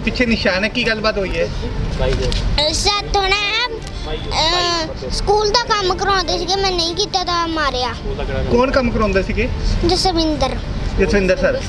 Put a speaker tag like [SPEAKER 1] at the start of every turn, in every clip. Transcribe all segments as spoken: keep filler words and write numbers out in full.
[SPEAKER 1] ਪਿੱਛੇ ਨਿਸ਼ਾਨ ਹੈ, ਕੀ ਗੱਲਬਾਤ ਹੋਈ ਹੈ?
[SPEAKER 2] ਸਾਥੋਂ ਨਾ ਸਕੂਲ ਦਾ ਕੰਮ ਕਰਾਉਂਦੇ ਸੀਗੇ, ਮੈਂ ਨਹੀਂ ਕੀਤਾ ਤਾਂ ਮਾਰਿਆ।
[SPEAKER 1] ਕੌਣ ਕੰਮ ਕਰਾਉਂਦੇ ਸੀਗੇ?
[SPEAKER 2] ਜਸਵਿੰਦਰ
[SPEAKER 1] ਜਸਵਿੰਦਰ ਸਰ।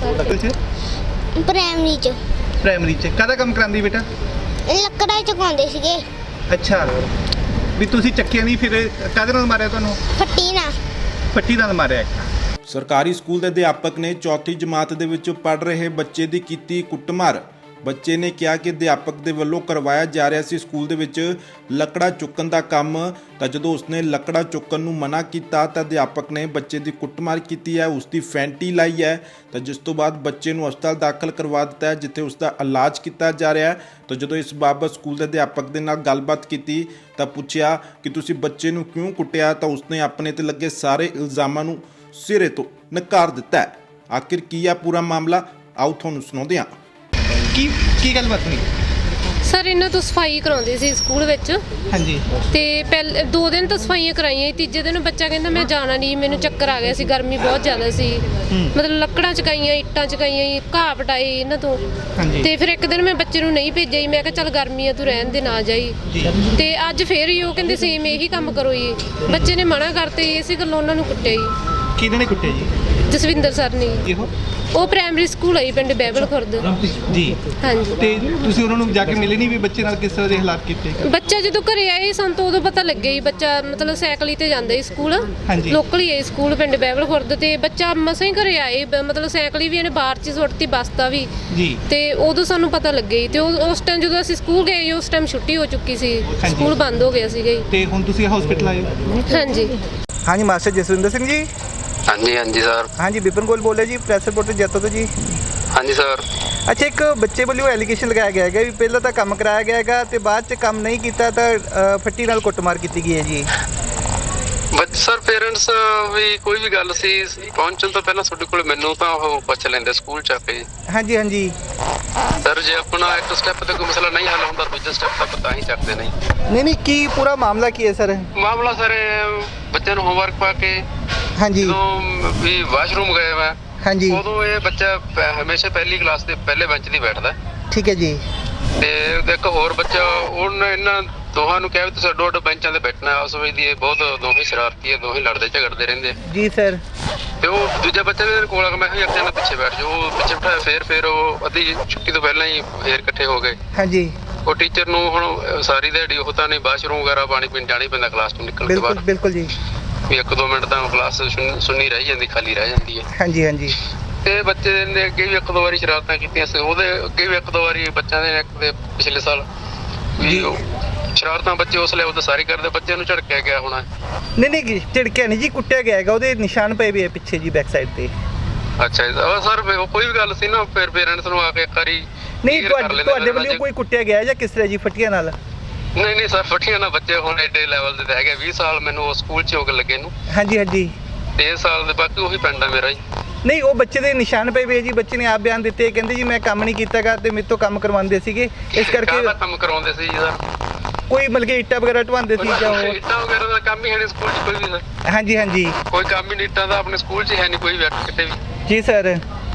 [SPEAKER 2] ਪ੍ਰਾਇਮਰੀ ਚ
[SPEAKER 1] ਪ੍ਰਾਇਮਰੀ ਚ ਕਾਹਦਾ ਕੰਮ ਕਰਾਉਂਦੀ ਬੇਟਾ?
[SPEAKER 2] ਲੱਕੜਾਂ ਚੁਕਾਉਂਦੇ ਸੀਗੇ।
[SPEAKER 1] ਅੱਛਾ, ਵੀ ਤੁਸੀਂ ਚੱਕਿਆ ਨਹੀਂ, ਫਿਰ ਕਾਹਦੇ ਨਾਲ ਮਾਰਿਆ ਤੁਹਾਨੂੰ?
[SPEAKER 2] ਫੱਟੀ ਨਾ
[SPEAKER 1] ਫੱਟੀ ਨਾਲ ਮਾਰਿਆ।
[SPEAKER 3] ਸਰਕਾਰੀ ਸਕੂਲ ਦੇ ਅਧਿਆਪਕ ਨੇ ਚੌਥੀ ਜਮਾਤ ਦੇ ਵਿੱਚ ਪੜ੍ਹ ਰਹੇ ਬੱਚੇ ਦੀ ਕੀਤੀ ਕੁੱਟਮਾਰ। ਬੱਚੇ ਨੇ ਕਿਹਾ ਕਿ ਅਧਿਆਪਕ ਦੇ ਵੱਲੋਂ ਕਰਵਾਇਆ ਜਾ ਰਿਹਾ ਸੀ ਸਕੂਲ ਦੇ ਵਿੱਚ ਲੱਕੜਾ ਚੁੱਕਣ ਦਾ ਕੰਮ, ਤਾਂ ਜਦੋਂ ਉਸਨੇ ਲੱਕੜਾ ਚੁੱਕਣ ਨੂੰ ਮਨਾ ਕੀਤਾ ਤਾਂ ਅਧਿਆਪਕ ਨੇ ਬੱਚੇ ਦੀ ਕੁੱਟਮਾਰ ਕੀਤੀ ਹੈ, ਉਸ ਦੀ ਫੈਂਟੀ ਲਾਈ ਹੈ, ਤਾਂ ਜਿਸ ਤੋਂ ਬਾਅਦ ਬੱਚੇ ਨੂੰ ਹਸਪਤਾਲ ਦਾਖਲ ਕਰਵਾ ਦਿੱਤਾ ਹੈ, ਜਿੱਥੇ ਉਸ ਦਾ ਇਲਾਜ ਕੀਤਾ ਜਾ ਰਿਹਾ ਹੈ। ਤਾਂ ਜਦੋਂ ਇਸ ਬਾਬਤ ਸਕੂਲ ਦੇ ਅਧਿਆਪਕ ਦੇ ਨਾਲ ਗੱਲਬਾਤ ਕੀਤੀ ਤਾਂ ਪੁੱਛਿਆ ਕਿ ਤੁਸੀਂ ਬੱਚੇ ਨੂੰ ਕਿਉਂ ਕੁੱਟਿਆ, ਤਾਂ ਉਸਨੇ ਆਪਣੇ ਤੇ ਲੱਗੇ ਸਾਰੇ ਇਲਜ਼ਾਮਾਂ ਨੂੰ ਸਿਰੇ ਤੋਂ ਨਕਾਰ ਦਿੱਤਾ ਹੈ। ਆਖਿਰ ਕੀ ਹੈ ਪੂਰਾ ਮਾਮਲਾ, ਆਓ ਤੁਹਾਨੂੰ ਸੁਣਾਉਂਦੇ ਹਾਂ।
[SPEAKER 1] ਕੀ ਕੀ ਗੱਲਬਾਤ ਹੋਈ
[SPEAKER 4] ਸਰ? ਇਹਨਾਂ ਤੋਂ ਸਫਾਈ ਕਰਾਉਂਦੇ ਸੀ ਸਕੂਲ ਵਿੱਚ।
[SPEAKER 1] ਹਾਂਜੀ।
[SPEAKER 4] ਤੇ ਪਹਿਲੇ ਦੋ ਦਿਨ ਤਾਂ ਸਫਾਈਆਂ ਕਰਾਈਆਂ, ਤੀਜੇ ਦਿਨ ਬੱਚਾ ਕਹਿੰਦਾ ਮੈਂ ਜਾਣਾ ਨਹੀਂ, ਮੈਨੂੰ ਚੱਕਰ ਆ ਗਿਆ ਸੀ, ਗਰਮੀ ਬਹੁਤ ਜ਼ਿਆਦਾ ਸੀ, ਮਤਲਬ ਲੱਕੜਾਂ ਚਕਾਈਆਂ, ਇੱਟਾਂ ਚਕਾਈਆਂ, ਘਾਹ ਪਟਾਈ ਇਹਨਾਂ ਤੋਂ। ਤੇ ਫਿਰ ਇੱਕ ਦਿਨ ਮੈਂ ਬੱਚੇ ਨੂੰ ਨਹੀਂ ਭੇਜਿਆ, ਮੈਂ ਕਿਹਾ ਚੱਲ ਗਰਮੀ ਆ, ਤੂੰ ਰਹਿਣ ਦੇ, ਨਾ ਜਾਈ। ਤੇ ਅੱਜ ਫੇਰ ਹੀ ਉਹ ਕਹਿੰਦੇ ਸੇਮ ਇਹੀ ਕੰਮ ਕਰੋ ਜੀ। ਬੱਚੇ ਨੇ ਮਨਾ ਕਰਤੇ, ਇਸੇ ਗੱਲੋਂ ਉਹਨਾਂ ਨੂੰ ਕੁੱਟਿਆ ਜੀ।
[SPEAKER 1] ਕਿਹਨੇ ਨੇ ਕੁੱਟਿਆ ਜੀ?
[SPEAKER 4] ਜਸਵਿੰਦਰ ਸਰ ਨੇ।
[SPEAKER 1] ਇਹੋ
[SPEAKER 4] ਉਹ ਪ੍ਰਾਇਮਰੀ ਸਕੂਲ ਹੈ ਪਿੰਡ ਬਹਿਬਲ ਖੁਰਦ
[SPEAKER 1] ਜੀ।
[SPEAKER 4] ਹਾਂਜੀ।
[SPEAKER 1] ਤੇ ਤੁਸੀਂ ਉਹਨਾਂ ਨੂੰ ਜਾ ਕੇ ਮਿਲੇ ਨਹੀਂ ਵੀ ਬੱਚੇ ਨਾਲ ਕਿਸ ਤਰ੍ਹਾਂ ਦੇ ਹਾਲਾਤ ਕੀਤੇ?
[SPEAKER 4] ਬੱਚਾ ਜਦੋਂ ਘਰੇ ਆਏ ਸਾਨੂੰ ਤਾਂ ਉਦੋਂ ਪਤਾ ਲੱਗਿਆ ਜੀ। ਬੱਚਾ ਮਤਲਬ ਸਾਈਕਲ ਹੀ ਤੇ ਜਾਂਦਾ ਸੀ ਸਕੂਲ, ਲੋਕਲ ਹੀ ਹੈ ਸਕੂਲ ਪਿੰਡ ਬਹਿਬਲ ਖੁਰਦ। ਤੇ ਬੱਚਾ ਮਸਾਂ ਹੀ ਘਰੇ ਆਏ, ਮਤਲਬ ਸਾਈਕਲ ਹੀ ਵੀ ਇਹਨੇ ਬਾਹਰ 'ਚ ਸੁੱਟਤੀ, ਬਸਤਾ ਵੀ ਜੀ। ਤੇ ਉਦੋਂ ਸਾਨੂੰ ਪਤਾ ਲੱਗਿਆ ਜੀ। ਤੇ ਉਸ ਟਾਈਮ ਜਦੋਂ ਅਸੀਂ ਸਕੂਲ ਗਏ, ਉਸ ਟਾਈਮ ਛੁੱਟੀ ਹੋ ਚੁੱਕੀ ਸੀ, ਸਕੂਲ ਬੰਦ ਹੋ ਗਿਆ ਸੀਗਾ ਜੀ।
[SPEAKER 1] ਤੇ ਹੁਣ ਤੁਸੀਂ ਹਸਪੀਟਲ ਆਏ ਹੋ?
[SPEAKER 4] ਹਾਂਜੀ
[SPEAKER 1] ਹਾਂਜੀ। ਮਾਸਟਰ ਜਸਵਿੰਦਰ ਸਿੰਘ ਜੀ।
[SPEAKER 5] ਹਾਂਜੀ ਹਾਂਜੀ ਸਰ।
[SPEAKER 1] ਹਾਂਜੀ, ਵਿਪਨ ਗੋਲ ਬੋਲ ਰਿਹਾ ਜੀ, ਪ੍ਰੈਸ ਰਿਪੋਰਟਰ ਜੈਤੋ ਤੋਂ ਜੀ।
[SPEAKER 5] ਹਾਂਜੀ ਸਰ।
[SPEAKER 1] ਅੱਛਾ, ਇੱਕ ਬੱਚੇ ਵੱਲੋਂ ਐਲੀਗੇਸ਼ਨ ਲਗਾਇਆ ਗਿਆ ਹੈਗਾ ਵੀ ਪਹਿਲਾਂ ਤਾਂ ਕੰਮ ਕਰਾਇਆ ਗਿਆ ਹੈਗਾ ਤੇ ਬਾਅਦ 'ਚ ਕੰਮ ਨਹੀਂ ਕੀਤਾ ਤਾਂ ਫੱਟੀ ਨਾਲ ਕੁੱਟਮਾਰ ਕੀਤੀ ਗਈ ਹੈ ਜੀ।
[SPEAKER 5] ਬੱਚ ਸਰ ਪੇਰੈਂਟਸ ਵੀ ਕੋਈ ਵੀ ਗੱਲ ਸੀ ਪਹੁੰਚਣ ਤੋਂ ਪਹਿਲਾਂ ਤੁਹਾਡੇ ਕੋਲ ਮੈਨੂੰ ਤਾਂ ਉਹ ਪੁੱਛ ਲੈਂਦੇ ਸਕੂਲ ਚ ਆ ਕੇ।
[SPEAKER 1] ਹਾਂਜੀ ਹਾਂਜੀ
[SPEAKER 5] ਸਰ, ਜੇ ਆਪਣਾ ਇੱਕ ਸਟੈਪ ਤੇ ਕੋਈ ਮਸਲਾ ਨਹੀਂ ਹੱਲ ਹੁੰਦਾ, ਦੂਜੇ ਸਟੈਪ ਤੱਕ ਤਾਂ ਹੀ ਚੱਕਦੇ ਨਹੀਂ।
[SPEAKER 1] ਨਹੀਂ ਨਹੀਂ ਕੀ ਪੂਰਾ ਮਾਮਲਾ ਕੀ ਹੈ ਸਰ?
[SPEAKER 5] ਮਾਮਲਾ ਸਰ ਬੱਚੇ ਨੂੰ ਹੋਮਵਰਕ ਪਾ ਕੇ
[SPEAKER 1] ਹਾਂਜੀ
[SPEAKER 5] ਜਦੋਂ ਵੀ ਵਾਸ਼ਰੂਮ ਗਏ ਮੈਂ,
[SPEAKER 1] ਹਾਂਜੀ,
[SPEAKER 5] ਉਦੋਂ ਇਹ ਬੱਚਾ ਹਮੇਸ਼ਾ ਪਹਿਲੀ ਕਲਾਸ ਦੇ ਪਹਿਲੇ ਬੈਂਚ ਦੀ ਬੈਠਦਾ।
[SPEAKER 1] ਠੀਕ ਹੈ ਜੀ।
[SPEAKER 5] ਤੇ ਇੱਕ ਹੋਰ ਬੱਚਾ, ਉਹਨੇ ਇਹਨਾਂ ਦੋਹਾਂ ਨੂੰ ਕਿਹਾ ਵੀ ਤੁਸੀਂ ਅੱਡੋ ਅੱਡ ਬੈਂਚਾਂ ਤੇ ਬੈਠਣਾ। ਉਸ ਵੇਲੇ ਦੀ ਇਹ ਬਹੁਤ ਦੋਵੇਂ ਸ਼ਰਾਰਤੀ ਹੈ, ਦੋਵੇਂ ਲੜਦੇ ਝਗੜਦੇ ਰਹਿੰਦੇ
[SPEAKER 1] ਜੀ ਸਰ।
[SPEAKER 5] ਤੇ ਉਹ ਦੂਜਾ ਬੱਚਾ ਵੀ ਕੋਲ ਆ, ਮੈਂ ਕਿਹਾ ਇੱਕ ਜਣਾ ਪਿੱਛੇ ਬੈਠ ਜਾਓ, ਉਹ ਪਿੱਛੇ ਬਿਠਾਇਆ। ਫੇਰ ਫੇਰ ਉਹ ਅੱਧੀ ਛੁੱਟੀ ਤੋਂ ਪਹਿਲਾਂ ਹੀ ਫੇਰ ਇਕੱਠੇ ਹੋ ਗਏ। ਹਾਂਜੀ। ਉਹ ਟੀਚਰ ਨੂੰ ਹੁਣ ਸਾਰੀ ਦਿਹਾੜੀ ਉਹ ਤਾਂ ਨਹੀਂ, ਵਾਸ਼ਰੂਮ ਵਗੈਰਾ ਪਾਣੀ ਪੀਣ ਜਾਣਾ ਹੀ ਪੈਂਦਾ ਕਲਾਸ ਤੋਂ ਨਿਕਲਣ ਤੋਂ ਬਾਅਦ। ਬਿਲਕੁਲ ਜੀ। ਵੀ ਇੱਕ ਦੋ ਮਿੰਟ ਤਾਂ ਕਲਾਸ ਸੁੰਨੀ ਰਹਿ ਜਾਂਦੀ, ਖਾਲੀ ਰਹਿ ਜਾਂਦੀ ਹੈ। ਹਾਂਜੀ ਹਾਂਜੀ। ਤੇ ਬੱਚੇ ਨੇ ਅੱਗੇ ਵੀ ਇੱਕ ਦੋ ਵਾਰੀ ਸ਼ਰਾਰਤਾਂ ਕੀਤੀਆਂ ਸੀ, ਉਹਦੇ ਅੱਗੇ ਵੀ ਇੱਕ ਦੋ ਵਾਰੀ ਬੱਚਿਆਂ ਦੇ ਇੱਕ ਦੇ ਪਿਛਲੇ ਸਾਲ ਵੀ ਸ਼ਰਾਰਤਾਂ ਬੱਚੇ ਉਸ ਲੈਵਲ ਤੇ ਸਾਰੀ ਕਰਦੇ। ਬੱਚੇ ਨੂੰ ਝੜਕਿਆ ਗਿਆ ਹੋਣਾ। ਨਹੀਂ ਨਹੀਂ ਝੜਕਿਆ ਨਹੀਂ ਜੀ, ਕੁੱਟਿਆ ਗਿਆ ਹੈਗਾ, ਉਹਦੇ ਨਿਸ਼ਾਨ ਪਏ ਵੀ ਹੈ ਪਿੱਛੇ ਜੀ ਬੈਕ ਸਾਈਡ ਤੇ। ਅੱਛਾ ਜੀ ਸਰ, ਕੋਈ ਵੀ ਗੱਲ ਸੀ ਨਾ ਫਿਰ ਪੇਰੈਂਟਸ ਨੂੰ ਆ ਕੇ ਇੱਕ ਵਾਰੀ ਨਹੀਂ ਤੁਹਾਡੇ ਵੱਲੋਂ ਕੋਈ ਕੁੱਟਿਆ ਗਿਆ ਜਾਂ ਕਿਸ ਤਰ੍ਹਾਂ ਜੀ ਫੱਟੀਆਂ ਨਾਲ? ਨਹੀਂ ਨਹੀਂ ਸਰ, ਫੱਟੀਆਂ ਨਾਲ ਬੱਚੇ ਹੁਣ ਐਡੇ ਲੈਵਲ ਦੇ ਹੈਗੇ। ਵੀਹ ਸਾਲ ਮੈਨੂੰ ਉਸ ਸਕੂਲ 'ਚ ਹੋ ਕੇ ਲੱਗੇ ਨੂੰ। ਹਾਂਜੀ ਹਾਂਜੀ। ਤੇ ਇਸ ਸਾਲ ਦੇ ਬਾਕੀ ਉਹੀ ਪਿੰਡ ਆ ਮੇਰਾ ਜੀ। ਨਹੀਂ, ਉਹ ਬੱਚੇ ਦੇ ਨਿਸ਼ਾਨ ਪਏ ਵੇ ਜੀ। ਬੱਚੇ ਨੇ ਆਪ ਬਿਆਨ ਦਿੱਤੇ, ਕਹਿੰਦੇ ਜੀ ਮੈਂ ਕੰਮ ਨਹੀਂ ਕੀਤਾਗਾ ਤੇ ਮੇਰੇ ਤੋਂ ਕੰਮ ਕਰਵਾਉਂਦੇ ਸੀਗੇ, ਇਸ ਕਰਕੇ ਕੰਮ ਕਰਵਾਉਂਦੇ ਸੀ ਜੀ ਸਰ। ਕੋਈ ਮਤਲਬ ਕਿ ਇੱਟਾਂ ਵਗੈਰਾ ਢਵਾਉਂਦੇ ਸੀ ਜਾਂ ਉਹ ਇੱਟਾਂ ਵਗੈਰਾ ਦਾ ਕੰਮ ਹੀ ਹੈ ਨਹੀਂ ਸਕੂਲ 'ਚ ਕੋਈ ਵੀ ਸਰ। ਹਾਂਜੀ ਹਾਂਜੀ। ਕੋਈ ਕੰਮ ਹੀ ਨਹੀਂ ਇੱਟਾਂ ਦਾ ਆਪਣੇ ਸਕੂਲ 'ਚ ਹੈ ਨਹੀਂ ਕੋਈ ਵੀ ਕਿਤੇ ਵੀ ਜੀ ਸਰ।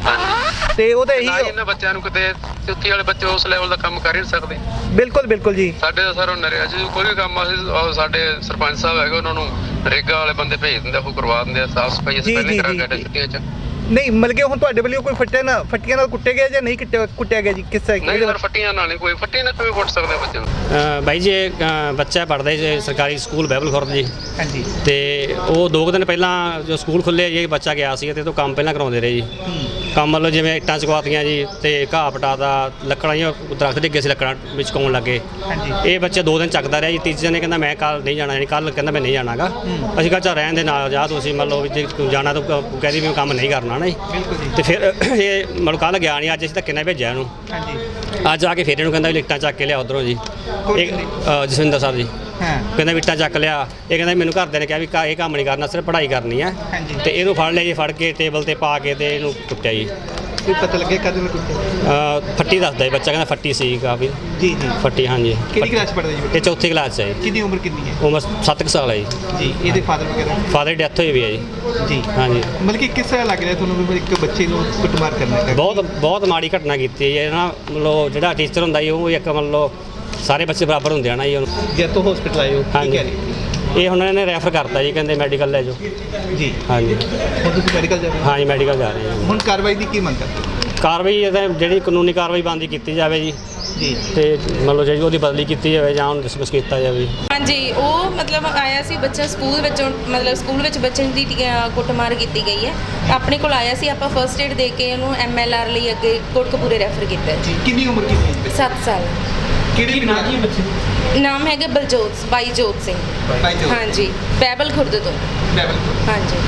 [SPEAKER 5] ਤੇ ਉਹ ਤਾਂ ਇਹੀ ਇਹਨਾਂ ਬੱਚਿਆਂ ਨੂੰ ਕਿਤੇ ਚੌਥੀ ਵਾਲੇ ਬੱਚੇ ਉਸ ਲੈਵਲ ਦਾ ਕੰਮ ਕਰ ਹੀ ਨਹੀਂ ਸਕਦੇ। ਬਿਲਕੁਲ ਬਿਲਕੁਲ ਜੀ। ਸਾਡੇ ਸਰ ਉਹ ਨਰੇਗਾ ਜੀ ਕੋਈ ਵੀ ਕੰਮ ਅਸੀਂ ਸਾਡੇ ਸਰਪੰਚ ਸਾਹਿਬ ਹੈਗੇ, ਉਹਨਾਂ ਨੂੰ ਨਰੇਗਾ ਵਾਲੇ ਬੰਦੇ ਭੇਜ ਦਿੰਦੇ, ਉਹ ਕਰਵਾ ਦਿੰਦੇ ਆ ਸਾਫ਼ ਸਫਾਈ। ਅਸੀਂ ਪਹਿਲੇ ਕਰਾ ਕੇ ਛੁੱਟੀਆਂ 'ਚ। ਨਹੀਂ ਮਤਲਬ ਕਿ ਹੁਣ ਤੁਹਾਡੇ ਵੱਲੋਂ ਕੋਈ ਫੱਟਿਆ ਨਾ ਫੱਟੀਆਂ ਨਾਲ ਕੁੱਟਿਆ ਗਿਆ ਜਾਂ ਨਹੀਂ ਕੁੱਟਿਆ ਕੁੱਟਿਆ ਗਿਆ ਜੀ? ਕਿਸ ਤਰ੍ਹਾਂ? ਨਹੀਂ ਸਰ, ਫੱਟੀਆਂ ਨਾਲ ਨਹੀਂ, ਕੋਈ ਫੱਟੀਆਂ ਨਾਲ ਕਿਵੇਂ ਕੁੱਟ ਸਕਦੇ ਬੱਚੇ ਨੂੰ?
[SPEAKER 6] ਬਾਈ ਜੀ ਬੱਚਾ ਪੜ੍ਹਦਾ ਜੀ ਸਰਕਾਰੀ ਸਕੂਲ ਬਹਿਬਲ ਖੁਰਦ ਜੀ। ਹਾਂਜੀ। ਤੇ ਉਹ ਦੋ ਕੁ ਦਿਨ ਪਹਿਲਾਂ ਜੋ ਸਕੂਲ ਖੁੱਲ੍ਹੇ ਜੀ, ਬੱਚਾ ਗਿਆ ਸੀ ਤੇ ਉਹ ਤੋਂ ਕੰਮ ਪਹਿਲਾਂ ਕਰਾਉਂਦੇ ਰਹੇ ਜੀ। ਕੰਮ ਮਤਲਬ ਜਿਵੇਂ ਇੱਟਾਂ ਚਕਵਾਤੀਆਂ ਜੀ ਤੇ ਘਾਹ ਪਟਾਦਾ, ਲੱਕੜਾਂ ਜੀ ਦਰਖਤ ਡਿੱਗੇ ਸੀ, ਲੱਕੜਾਂ ਵਿੱਚ ਕਾਉਣ ਲੱਗੇ। ਇਹ ਬੱਚਾ ਦੋ ਦਿਨ ਚੱਕਦਾ ਰਿਹਾ ਜੀ। ਤੀਜੇ ਨੇ ਕਹਿੰਦਾ ਮੈਂ ਕੱਲ ਨਹੀਂ ਜਾਣਾ, ਕੱਲ ਕਹਿੰਦਾ ਮੈਂ ਨਹੀਂ ਜਾਣਾਗਾ। ਅਸੀਂ ਕਿਹਾ ਚੱਲ ਰਹਿਣ ਦੇ ਨਾਲ ਜਾ, ਤੁਸੀਂ ਮੰਨ ਲਓ ਜੇ ਜਾਣਾ ਤਾਂ ਕਹਿੰਦੀ ਵੀ ਕੰਮ ਨਹੀਂ ਕਰਨਾ ਨਾ ਜੀ। ਤੇ ਫਿਰ ਇਹ ਮਤਲਬ ਕੱਲ੍ਹ ਗਿਆ ਨਹੀਂ, ਅੱਜ ਅਸੀਂ ਧੱਕੇ ਨਾਲ ਭੇਜਿਆ ਇਹਨੂੰ। ਅੱਜ ਆ ਕੇ ਫਿਰ ਇਹਨੂੰ ਕਹਿੰਦਾ ਵੀ ਇੱਟਾਂ ਚੱਕ ਕੇ ਲਿਆ ਉੱਧਰੋਂ ਜੀ। ਇਹ ਜਸਵਿੰਦਰ ਸਾਹਿਬ ਜੀ ਕਹਿੰਦਾ ਵੀ ਇੱਟਾਂ ਚੱਕ ਲਿਆ। ਇਹ ਕਹਿੰਦਾ ਮੈਨੂੰ ਘਰਦਿਆਂ ਨੇ ਕਿਹਾ ਵੀ ਇਹ ਕੰਮ ਨਹੀਂ ਕਰਨਾ, ਸਿਰਫ ਪੜ੍ਹਾਈ ਕਰਨੀ ਹੈ। ਤੇ ਇਹਨੂੰ ਫੜ ਲਿਆ ਜੀ, ਫੜ ਕੇ ਟੇਬਲ ਤੇ ਪਾ ਕੇ ਤੇ ਇਹਨੂੰ ਕੁੱਟਿਆ ਜੀ।
[SPEAKER 1] ਕੋਈ ਪਤਾ ਲੱਗਿਆ ਕਦ ਨੂੰ ਕੁੱਟਿਆ?
[SPEAKER 6] ਅ, ਫੱਟੀ ਦੱਸਦਾ ਜੀ ਬੱਚਾ, ਕਹਿੰਦਾ ਫੱਟੀ ਸੀ ਕਾਫੀ।
[SPEAKER 1] ਜੀ ਜੀ
[SPEAKER 6] ਫੱਟੀ, ਹਾਂਜੀ।
[SPEAKER 1] ਕਿਹੜੀ ਕਲਾਸ ਪੜ੍ਹਦਾ ਜੀ
[SPEAKER 6] ਇਹ ਚੌਥੀ ਕਲਾਸ 'ਚ ਹੈ ਜੀ।
[SPEAKER 1] ਕਿੰਨੀ ਉਮਰ ਕਿੰਨੀ ਹੈ?
[SPEAKER 6] ਉਮਰ ਸੱਤ ਕੁ ਸਾਲ ਹੈ ਜੀ।
[SPEAKER 1] ਜੀ ਇਹਦੇ ਫਾਦਰ ਵਗੈਰਾ?
[SPEAKER 6] ਫਾਦਰ ਦੀ ਡੈਥ ਹੋਈ ਵੀ ਹੈ ਜੀ।
[SPEAKER 1] ਜੀ
[SPEAKER 6] ਹਾਂਜੀ।
[SPEAKER 1] ਮਤਲਬ ਕਿ ਕਿਸ ਤਰ੍ਹਾਂ ਲੱਗ ਰਿਹਾ ਤੁਹਾਨੂੰ ਵੀ ਇੱਕ ਬੱਚੇ ਨੂੰ ਕੁੱਟਮਾਰ ਕਰਨਾ ਹੈ?
[SPEAKER 6] ਬਹੁਤ ਬਹੁਤ ਮਾੜੀ ਘਟਨਾ ਕੀਤੀ ਹੈ ਜੀ ਨਾ। ਮਤਲਬ ਜਿਹੜਾ ਟੀਚਰ ਹੁੰਦਾ ਜੀ ਉਹ ਇੱਕ ਮਤਲਬ ਸਾਰੇ ਬੱਚੇ ਬਰਾਬਰ ਹੁੰਦੇ ਆ ਨਾ ਜੀ।
[SPEAKER 1] ਜਦ ਤੋਂ ਹਸਪੀਟਲ ਆਏ ਹੋ ਕੀ
[SPEAKER 6] ਹਾਂਜੀ।
[SPEAKER 1] ਕਹਿ ਰਹੇ?
[SPEAKER 6] ਇਹ ਹੁਣ ਇਹਨਾਂ ਨੇ ਰੈਫਰ ਕਰਤਾ ਜੀ, ਕਹਿੰਦੇ ਮੈਡੀਕਲ ਲੈ ਜਾਓ।
[SPEAKER 1] ਜੀ
[SPEAKER 6] ਹਾਂਜੀ।
[SPEAKER 1] ਹੁਣ ਤੁਸੀਂ ਮੈਡੀਕਲ ਜਾ ਰਹੇ ਹੋ?
[SPEAKER 6] ਹਾਂਜੀ ਮੈਡੀਕਲ ਜਾ ਰਹੇ ਹਾਂ।
[SPEAKER 1] ਹੁਣ ਕਾਰਵਾਈ ਦੀ ਕੀ ਮੰਗ ਕਰਦੇ ਹੋ?
[SPEAKER 6] ਕਾਰਵਾਈ ਇਹਦਾ ਜਿਹੜੀ ਕਾਨੂੰਨੀ ਕਾਰਵਾਈ ਬਣਦੀ ਕੀਤੀ ਜਾਵੇ ਜੀ।
[SPEAKER 1] ਜੀ
[SPEAKER 6] ਤੇ ਮਤਲਬ ਜਿਹੜੀ ਉਹਦੀ ਬਦਲੀ ਕੀਤੀ ਜਾਵੇ ਜਾਂ ਉਹਨੂੰ ਡਿਸਮਿਸ ਕੀਤਾ ਜਾਵੇ।
[SPEAKER 7] ਹਾਂਜੀ, ਉਹ ਮਤਲਬ ਆਇਆ ਸੀ ਬੱਚਾ ਸਕੂਲ ਵਿੱਚੋਂ, ਮਤਲਬ ਸਕੂਲ ਵਿੱਚ ਬੱਚੇ ਦੀ ਟੀ- ਕੁੱਟਮਾਰ ਕੀਤੀ ਗਈ ਹੈ। ਆਪਣੇ ਕੋਲ ਆਇਆ ਸੀ, ਆਪਾਂ ਫਰਸਟ ਏਡ ਦੇ ਕੇ ਉਹਨੂੰ ਐਮ ਐਲ ਆਰ ਲਈ ਅੱਗੇ ਕੋਟਕਪੂਰੇ ਰੈਫਰ ਕੀਤਾ ਹੈ।
[SPEAKER 1] ਜੀ ਕਿੰਨੀ ਉਮਰ ਕਿੰਨੀ ਹੈ?
[SPEAKER 7] ਸੱਤ ਸਾਲ।
[SPEAKER 1] ਕਿਹੜੇ ਨਾਮ ਕੀ ਬੱਚੇ?
[SPEAKER 7] ਨਾਮ ਹੈਗਾ ਬਲਜੋਤ, ਬਾਈਜੋਤ ਸਿੰਘ।
[SPEAKER 1] ਬਾਈਜੋਤ।
[SPEAKER 7] ਹਾਂਜੀ, ਬੈਬਲ ਖੁਰਦ ਤੋਂ।
[SPEAKER 1] ਬੈਬਲ।
[SPEAKER 7] ਹਾਂਜੀ।